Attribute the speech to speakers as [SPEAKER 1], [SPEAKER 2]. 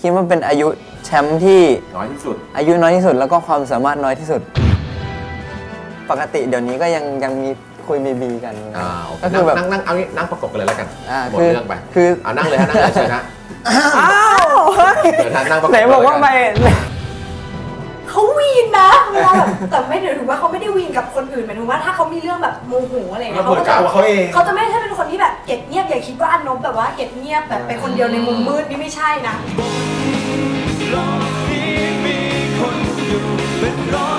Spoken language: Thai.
[SPEAKER 1] คิดว่าเป็นอายุแชมป์ที่
[SPEAKER 2] น้อยที่สุด
[SPEAKER 1] อายุน้อยที่สุดแล้วก็ความสามารถน้อยที่สุดปกติเดี๋ยวนี้ก็ยังมีคุยบีกัน
[SPEAKER 2] ก็คือแบบนั่งเอางี้นั่งประกบกันเลยแล้วกันหมดเรื่องไป
[SPEAKER 1] คือ
[SPEAKER 2] นั่งเลยฮะนั่งเลยเชิญนะ
[SPEAKER 1] อ้าว
[SPEAKER 2] ไหน
[SPEAKER 1] บอกว่าไป
[SPEAKER 3] เขาวีนนะเวลาแบบแต่ไม่ได้ถือว่าเขาไม่ได้วีนกับคนอื่นหมายถึงว่าถ้าเขามีเรื่องแบบโมโหอะไรเงี้ยเขาจะไม่ใช่เป็นคนที่แบบเก็บเงียบอย่าคิดว่าอันนบแบบว่าเก็บเงียบแบบเป็นคนเดียวในมุมมืดนี่ไม่ใช่นะ